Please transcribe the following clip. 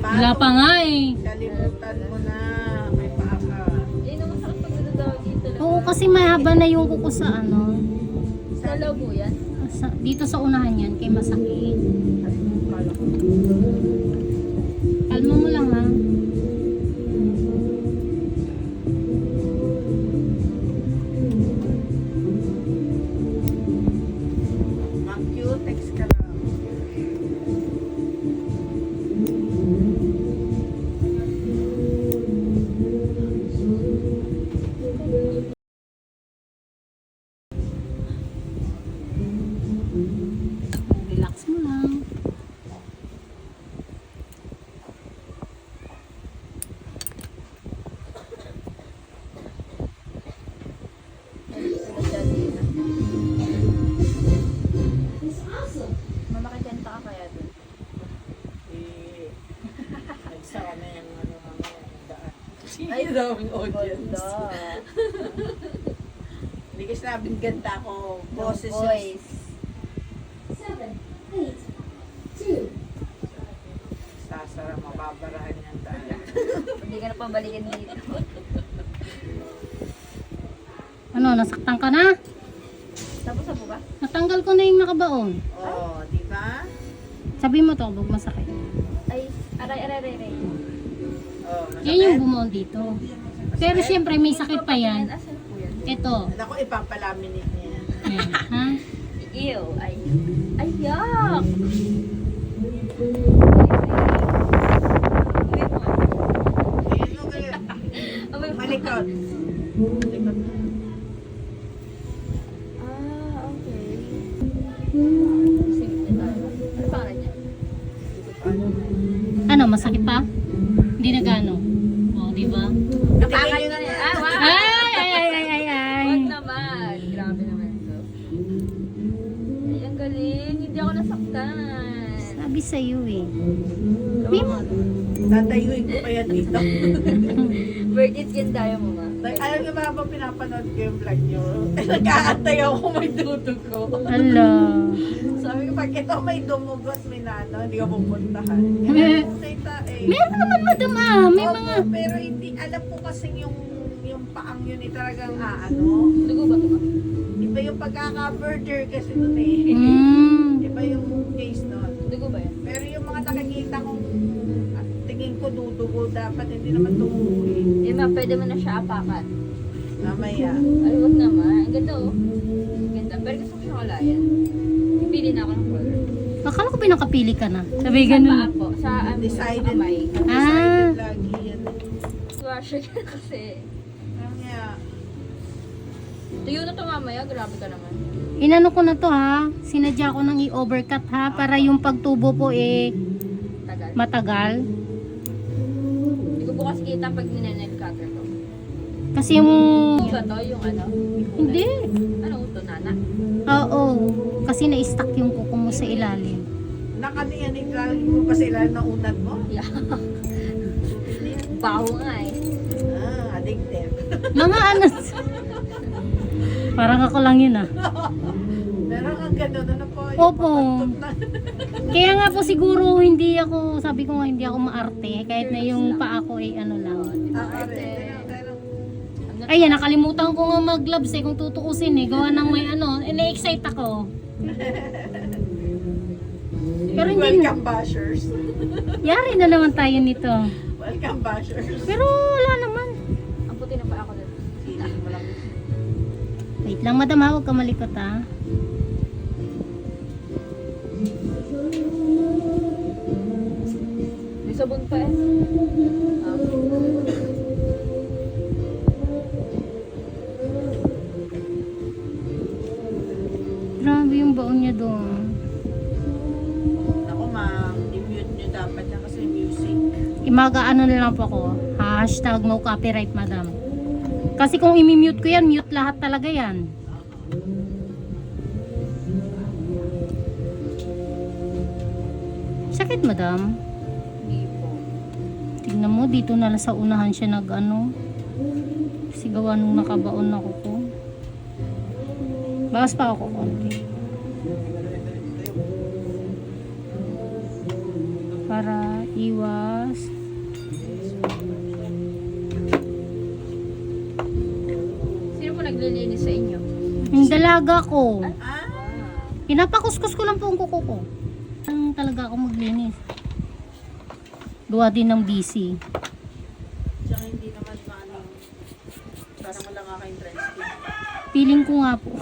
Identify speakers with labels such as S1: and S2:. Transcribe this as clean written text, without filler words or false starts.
S1: Wala pa nga eh.
S2: Kalimutan mo na. May paa ka.
S3: Eh, naman sa pag nadadaw dito lang.
S1: Oo, kasi mahaba na yung kuko sa ano.
S3: Sa loob mo yan?
S1: Dito sa unahan yan, kay masakit.
S2: Kala ko.
S1: Kalma mo lang ha.
S2: Mag-cute, text ka lang.
S1: Relax mo lang.
S3: Mamakikanta ka kaya dun?
S2: Nagsaka na yung ano mamaya yung daan.
S3: Ay,
S2: daming audience.
S3: Ganda.
S2: Hindi kasi sabing ganda ko. Boses yung
S3: Voice.
S4: 7, 8, 2,
S2: sasara, mababarahan yung daan.
S3: Hindi ka na pabalikin dito.
S1: Ano, nasaktan ka na?
S3: Tapos sa ba?
S1: Natanggal ko na yung nakabaon.
S2: Oh, di ba?
S1: Sabi mo to, huwag masakit.
S3: Ay, aray.
S2: Oh,
S1: Yan yung bumuon dito. Pero syempre may sakit pa yan.
S3: Asan po yan?
S1: Ito.
S2: Ako, ipapalaminate niya.
S1: Ayan, ha?
S3: Ew. Ay, yuck!
S2: Ayun o kaya. Malikot. Malikot.
S3: Ah, okay. Sige, tayo. Ano pangalan niya?
S1: Ano, masakit pa? Hindi na gano. O, di ba?
S3: Napakan na niya. Ah, wow!
S1: Ay!
S3: Huwag naman. Grabe naman to. Ay, ang galing. Hindi ako nasaktan.
S1: Sabi sa'yo eh.
S2: Tatayuin ko kaya dito.
S3: Worth it yan tayo mo ma.
S2: Alam niyo ba habang pinapanood ko yung vlog niyo? Nag-aantay ako kung may dudugo.
S1: Ala.
S2: Sabi ko, pag ito may dumugot, may nano, hindi ka pupuntahan. Okay ta eh.
S1: Meron naman madam ah. May
S2: Opo,
S1: mga...
S2: pero hindi, alam ko kasi yung paang yun eh talagang ano.
S3: Dugo ba ito ma?
S2: Iba yung pagkaka-murder kasi nun eh. Iba yung case nun.
S3: Dugo ba yan?
S2: Pero yung mga nakikita kong tingin ko dudugo, dapat hindi naman tumugo eh.
S3: Eh ma, pwede mo na siya apakan.
S2: Mamaya.
S3: Ay, wag naman. Ang ganda oh. Ang ganda. Pero gusto ko siya kalayan. Pipili na ako ng color.
S1: Akala ko pinakapili ka na. Sabi
S3: Sa paa
S1: ganun.
S3: po. Sa
S2: Decided.
S3: kamay.
S2: Decided lagi yan.
S3: Washer ka kasi.
S2: Mamaya.
S3: Tuyo na to mamaya. Grabe ka naman.
S1: Inano ko na to ha. Sinadya ko nang i-overcut ha. Para yung pagtubo po eh
S3: Tagal.
S1: matagal.
S3: Hindi ko bukas kita pag ninenel cutter ko.
S1: Kasi yung...
S3: Hindi ba to? Yung ano?
S1: Hindi.
S3: Ano ito? Nana?
S1: Oo. Kasi na-stuck yung kuko mo sa ilalim.
S2: Nakaniyan yung galing mo pa sila na unad mo?
S3: Yeah. Baho nga eh.
S2: Addictive.
S1: Mga ano... Parang ako lang yun ah.
S2: Meron kang gano'n, ano po? yung
S1: Opo.
S2: papantot na.
S1: Kaya nga po siguro hindi ako, sabi ko nga hindi ako maarte. Kahit na yung paa ko ay ano lang.
S2: Ako rin. Pero,
S1: Ayan, nakalimutan ko nga mag-gloves eh kung tutuusin eh. Gawa ng may ano, na-excite ako. Pero hindi na.
S2: welcome bashers.
S1: Yari na naman tayo nito.
S2: Welcome bashers.
S1: Pero wala naman.
S3: Ang puti na pa ako dun.
S2: Feeling mo lang.
S1: Wait lang madam ha, huwag ka malikot ha.
S3: May sabon pa eh.
S1: Grabe yung baon niya doon.
S2: Ako ma'am, i-mute nyo dapat yan kasi music.
S1: Imaga-ano na lang po ako. Hashtag no copyright madam. Kasi kung imi-mute ko yan, mute lahat talaga yan. Sakit madam.
S3: Hindi po.
S1: Tignan mo, dito na lang sa unahan siya nag-ano. Sigawan nung nakabaon na ko po. Bawas pa ako konti. Para iwas alaga ko.
S2: Ah,
S1: Pinapakuskus ko lang po ang kuko ko. Ang talaga ako maglinis. Gawa din ng busy.
S2: tsaka hindi naman maano. Parang wala nga kayong dry skin.
S1: Feeling ko nga po.